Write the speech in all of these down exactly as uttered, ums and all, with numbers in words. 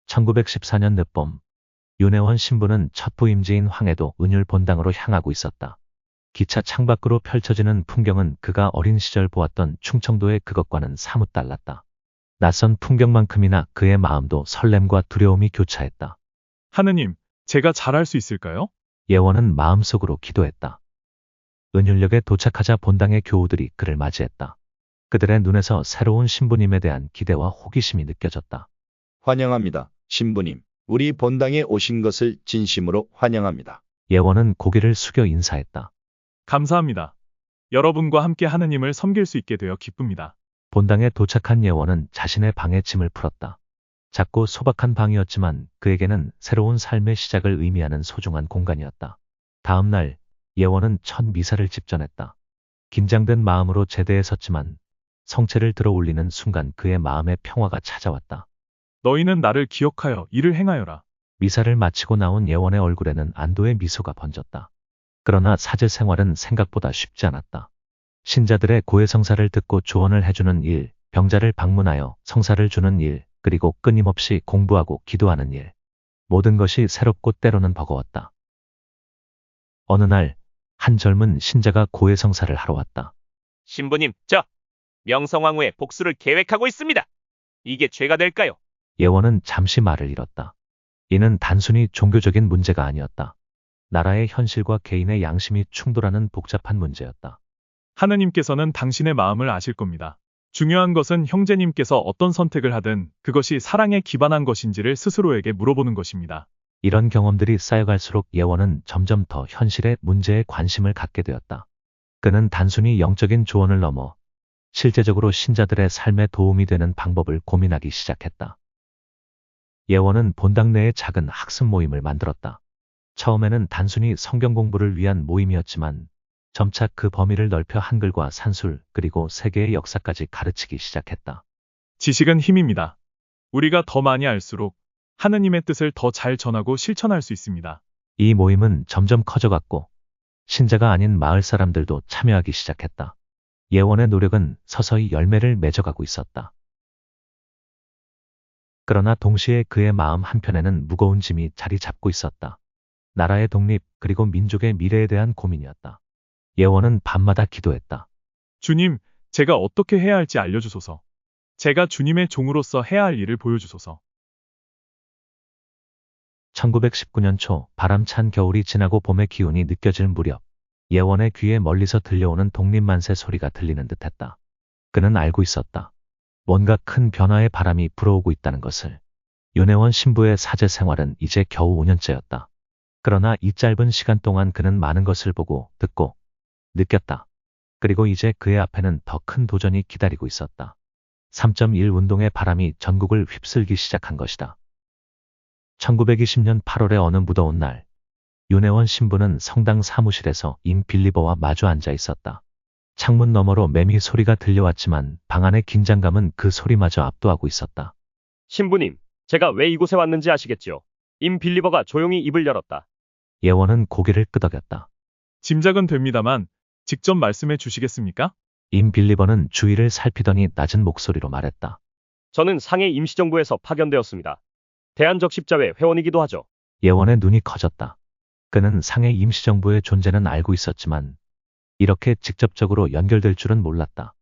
천구백십사 년 늦봄, 윤혜원 신부는 첫 부임지인 황해도 은율 본당으로 향하고 있었다. 기차 창밖으로 펼쳐지는 풍경은 그가 어린 시절 보았던 충청도의 그것과는 사뭇 달랐다. 낯선 풍경만큼이나 그의 마음도 설렘과 두려움이 교차했다. 하느님, 제가 잘할 수 있을까요? 예원은 마음속으로 기도했다. 은율역에 도착하자 본당의 교우들이 그를 맞이했다. 그들의 눈에서 새로운 신부님에 대한 기대와 호기심이 느껴졌다. 환영합니다, 신부님. 우리 본당에 오신 것을 진심으로 환영합니다. 예원은 고개를 숙여 인사했다. 감사합니다. 여러분과 함께 하느님을 섬길 수 있게 되어 기쁩니다. 본당에 도착한 예원은 자신의 방에 짐을 풀었다. 작고 소박한 방이었지만 그에게는 새로운 삶의 시작을 의미하는 소중한 공간이었다. 다음 날 예원은 첫 미사를 집전했다. 긴장된 마음으로 제대에 섰지만 성체를 들어 올리는 순간 그의 마음에 평화가 찾아왔다. 너희는 나를 기억하여 이를 행하여라. 미사를 마치고 나온 예원의 얼굴에는 안도의 미소가 번졌다. 그러나 사제 생활은 생각보다 쉽지 않았다. 신자들의 고해 성사를 듣고 조언을 해주는 일, 병자를 방문하여 성사를 주는 일, 그리고 끊임없이 공부하고 기도하는 일. 모든 것이 새롭고 때로는 버거웠다. 어느 날, 한 젊은 신자가 고해 성사를 하러 왔다. 신부님, 저 명성황후의 복수를 계획하고 있습니다. 이게 죄가 될까요? 예원은 잠시 말을 잃었다. 이는 단순히 종교적인 문제가 아니었다. 나라의 현실과 개인의 양심이 충돌하는 복잡한 문제였다. 하느님께서는 당신의 마음을 아실 겁니다. 중요한 것은 형제님께서 어떤 선택을 하든 그것이 사랑에 기반한 것인지를 스스로에게 물어보는 것입니다. 이런 경험들이 쌓여갈수록 예원은 점점 더 현실의 문제에 관심을 갖게 되었다. 그는 단순히 영적인 조언을 넘어 실제적으로 신자들의 삶에 도움이 되는 방법을 고민하기 시작했다. 예원은 본당 내에 작은 학습 모임을 만들었다. 처음에는 단순히 성경 공부를 위한 모임이었지만 점차 그 범위를 넓혀 한글과 산술 그리고 세계의 역사까지 가르치기 시작했다. 지식은 힘입니다. 우리가 더 많이 알수록 하느님의 뜻을 더 잘 전하고 실천할 수 있습니다. 이 모임은 점점 커져갔고 신자가 아닌 마을 사람들도 참여하기 시작했다. 예원의 노력은 서서히 열매를 맺어가고 있었다. 그러나 동시에 그의 마음 한편에는 무거운 짐이 자리 잡고 있었다. 나라의 독립 그리고 민족의 미래에 대한 고민이었다. 예원은 밤마다 기도했다. 주님, 제가 어떻게 해야 할지 알려주소서. 제가 주님의 종으로서 해야 할 일을 보여주소서. 천구백십구 년 초 바람찬 겨울이 지나고 봄의 기운이 느껴질 무렵 예원의 귀에 멀리서 들려오는 독립만세 소리가 들리는 듯했다. 그는 알고 있었다. 뭔가 큰 변화의 바람이 불어오고 있다는 것을. 윤혜원 신부의 사제 생활은 이제 겨우 오 년째였다. 그러나 이 짧은 시간 동안 그는 많은 것을 보고 듣고 느꼈다. 그리고 이제 그의 앞에는 더 큰 도전이 기다리고 있었다. 삼 점 일 운동의 바람이 전국을 휩쓸기 시작한 것이다. 천구백이십 년 팔월의 어느 무더운 날, 윤혜원 신부는 성당 사무실에서 임 빌리버와 마주 앉아 있었다. 창문 너머로 매미 소리가 들려왔지만 방 안의 긴장감은 그 소리마저 압도하고 있었다. 신부님, 제가 왜 이곳에 왔는지 아시겠죠? 임 빌리버가 조용히 입을 열었다. 예원은 고개를 끄덕였다. 짐작은 됩니다만 직접 말씀해 주시겠습니까? 임 빌리버는 주위를 살피더니 낮은 목소리로 말했다. 저는 상해 임시정부에서 파견되었습니다. 대한적십자회 회원이기도 하죠. 예원의 눈이 커졌다. 그는 상해 임시정부의 존재는 알고 있었지만 이렇게 직접적으로 연결될 줄은 몰랐다.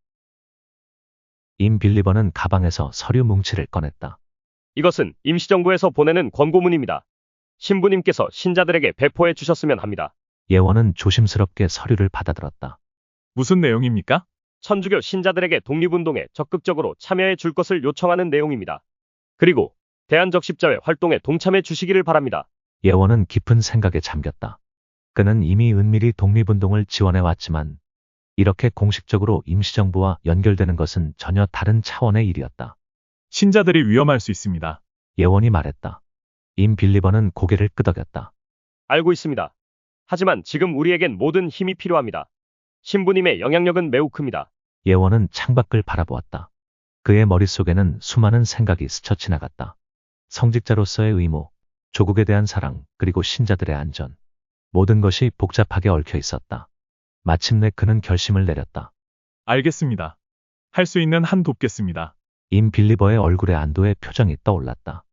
임 빌리버는 가방에서 서류 뭉치를 꺼냈다. 이것은 임시정부에서 보내는 권고문입니다. 신부님께서 신자들에게 배포해 주셨으면 합니다. 예원은 조심스럽게 서류를 받아들었다. 무슨 내용입니까? 천주교 신자들에게 독립운동에 적극적으로 참여해 줄 것을 요청하는 내용입니다. 그리고 대한적십자회 활동에 동참해 주시기를 바랍니다. 예원은 깊은 생각에 잠겼다. 그는 이미 은밀히 독립운동을 지원해왔지만 이렇게 공식적으로 임시정부와 연결되는 것은 전혀 다른 차원의 일이었다. 신자들이 위험할 수 있습니다. 예원이 말했다. 임 빌리버는 고개를 끄덕였다. 알고 있습니다. 하지만 지금 우리에겐 모든 힘이 필요합니다. 신부님의 영향력은 매우 큽니다. 예원은 창밖을 바라보았다. 그의 머릿속에는 수많은 생각이 스쳐 지나갔다. 성직자로서의 의무, 조국에 대한 사랑, 그리고 신자들의 안전. 모든 것이 복잡하게 얽혀 있었다. 마침내 그는 결심을 내렸다. 알겠습니다. 할 수 있는 한 돕겠습니다. 임 빌리버의 얼굴에 안도의 표정이 떠올랐다.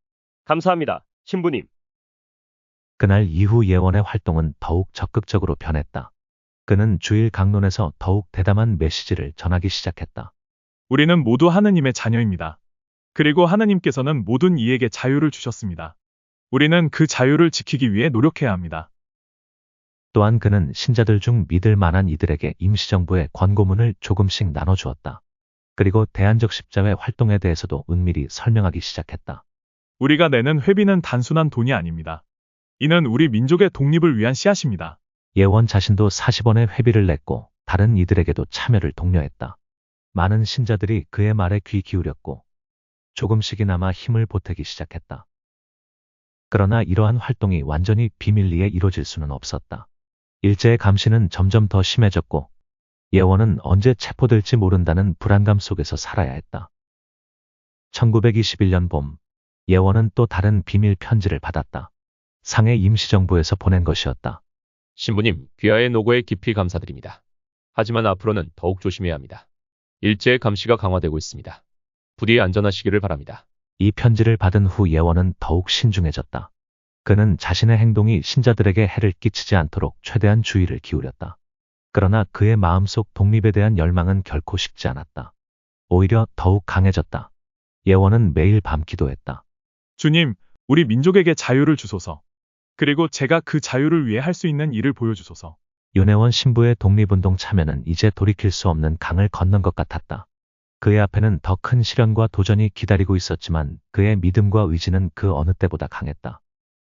감사합니다, 신부님. 그날 이후 예원의 활동은 더욱 적극적으로 변했다. 그는 주일 강론에서 더욱 대담한 메시지를 전하기 시작했다. 우리는 모두 하느님의 자녀입니다. 그리고 하느님께서는 모든 이에게 자유를 주셨습니다. 우리는 그 자유를 지키기 위해 노력해야 합니다. 또한 그는 신자들 중 믿을 만한 이들에게 임시정부의 권고문을 조금씩 나눠주었다. 그리고 대안적 십자회 활동에 대해서도 은밀히 설명하기 시작했다. 우리가 내는 회비는 단순한 돈이 아닙니다. 이는 우리 민족의 독립을 위한 씨앗입니다. 예원 자신도 사십 원의 회비를 냈고 다른 이들에게도 참여를 독려했다. 많은 신자들이 그의 말에 귀 기울였고 조금씩이나마 힘을 보태기 시작했다. 그러나 이러한 활동이 완전히 비밀리에 이루어질 수는 없었다. 일제의 감시는 점점 더 심해졌고 예원은 언제 체포될지 모른다는 불안감 속에서 살아야 했다. 천구백이십일 년 봄, 예원은 또 다른 비밀 편지를 받았다. 상해 임시정부에서 보낸 것이었다. 신부님, 귀하의 노고에 깊이 감사드립니다. 하지만 앞으로는 더욱 조심해야 합니다. 일제의 감시가 강화되고 있습니다. 부디 안전하시기를 바랍니다. 이 편지를 받은 후 예원은 더욱 신중해졌다. 그는 자신의 행동이 신자들에게 해를 끼치지 않도록 최대한 주의를 기울였다. 그러나 그의 마음속 독립에 대한 열망은 결코 식지 않았다. 오히려 더욱 강해졌다. 예원은 매일 밤 기도했다. 주님, 우리 민족에게 자유를 주소서. 그리고 제가 그 자유를 위해 할 수 있는 일을 보여주소서. 윤혜원 신부의 독립운동 참여는 이제 돌이킬 수 없는 강을 건넌 것 같았다. 그의 앞에는 더 큰 시련과 도전이 기다리고 있었지만 그의 믿음과 의지는 그 어느 때보다 강했다.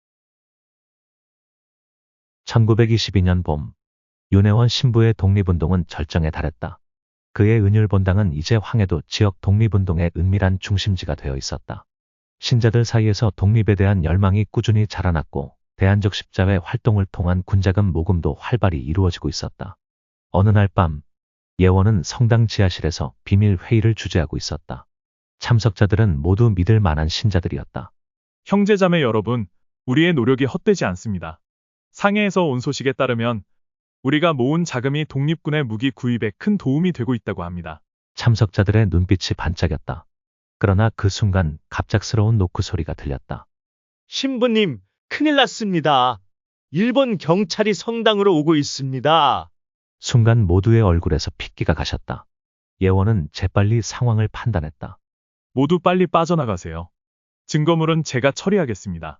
천구백이십이 년 봄, 윤혜원 신부의 독립운동은 절정에 달했다. 그의 은율본당은 이제 황해도 지역 독립운동의 은밀한 중심지가 되어 있었다. 신자들 사이에서 독립에 대한 열망이 꾸준히 자라났고 대안적 십자회 활동을 통한 군자금 모금도 활발히 이루어지고 있었다. 어느 날 밤, 예원은 성당 지하실에서 비밀 회의를 주재하고 있었다. 참석자들은 모두 믿을 만한 신자들이었다. 형제자매 여러분, 우리의 노력이 헛되지 않습니다. 상해에서 온 소식에 따르면 우리가 모은 자금이 독립군의 무기 구입에 큰 도움이 되고 있다고 합니다. 참석자들의 눈빛이 반짝였다. 그러나 그 순간 갑작스러운 노크 소리가 들렸다. 신부님, 큰일 났습니다. 일본 경찰이 성당으로 오고 있습니다. 순간 모두의 얼굴에서 핏기가 가셨다. 예원은 재빨리 상황을 판단했다. 모두 빨리 빠져나가세요. 증거물은 제가 처리하겠습니다.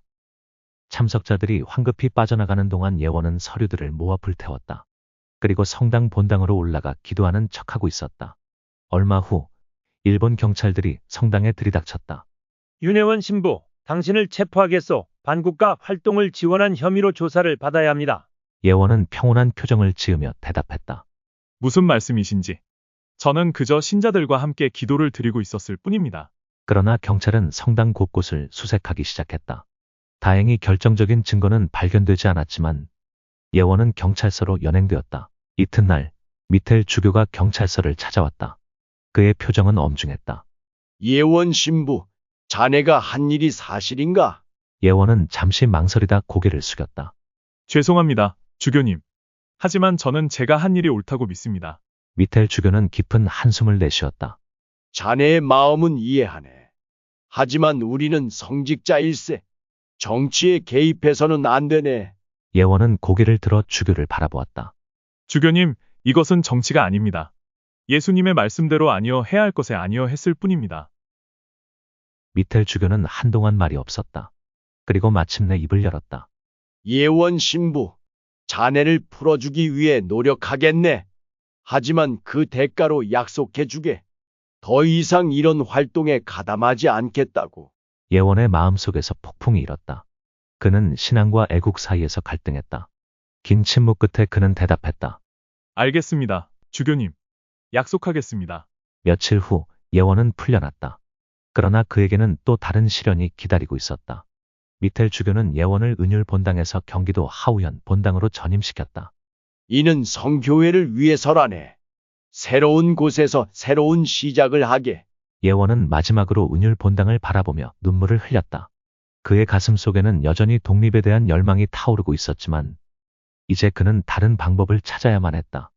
참석자들이 황급히 빠져나가는 동안 예원은 서류들을 모아 불태웠다. 그리고 성당 본당으로 올라가 기도하는 척하고 있었다. 얼마 후 일본 경찰들이 성당에 들이닥쳤다. 윤혜원 신부, 당신을 체포하겠소. 반국가 활동을 지원한 혐의로 조사를 받아야 합니다. 예원은 평온한 표정을 지으며 대답했다. 무슨 말씀이신지. 저는 그저 신자들과 함께 기도를 드리고 있었을 뿐입니다. 그러나 경찰은 성당 곳곳을 수색하기 시작했다. 다행히 결정적인 증거는 발견되지 않았지만 예원은 경찰서로 연행되었다. 이튿날 미텔 주교가 경찰서를 찾아왔다. 그의 표정은 엄중했다. 예원 신부, 자네가 한 일이 사실인가? 예원은 잠시 망설이다 고개를 숙였다. 죄송합니다, 주교님. 하지만 저는 제가 한 일이 옳다고 믿습니다. 미텔 주교는 깊은 한숨을 내쉬었다. 자네의 마음은 이해하네. 하지만 우리는 성직자일세. 정치에 개입해서는 안 되네. 예원은 고개를 들어 주교를 바라보았다. 주교님, 이것은 정치가 아닙니다. 예수님의 말씀대로 아니어 해야 할 것에 아니어 했을 뿐입니다. 미텔 주교는 한동안 말이 없었다. 그리고 마침내 입을 열었다. 예원 신부, 자네를 풀어주기 위해 노력하겠네. 하지만 그 대가로 약속해주게. 더 이상 이런 활동에 가담하지 않겠다고. 예원의 마음속에서 폭풍이 일었다. 그는 신앙과 애국 사이에서 갈등했다. 긴 침묵 끝에 그는 대답했다. 알겠습니다, 주교님. 약속하겠습니다. 며칠 후 예원은 풀려났다. 그러나 그에게는 또 다른 시련이 기다리고 있었다. 미텔 주교는 예원을 은율 본당에서 경기도 하우현 본당으로 전임시켰다. 이는 성교회를 위해서라네. 새로운 곳에서 새로운 시작을 하게. 예원은 마지막으로 은율 본당을 바라보며 눈물을 흘렸다. 그의 가슴 속에는 여전히 독립에 대한 열망이 타오르고 있었지만 이제 그는 다른 방법을 찾아야만 했다.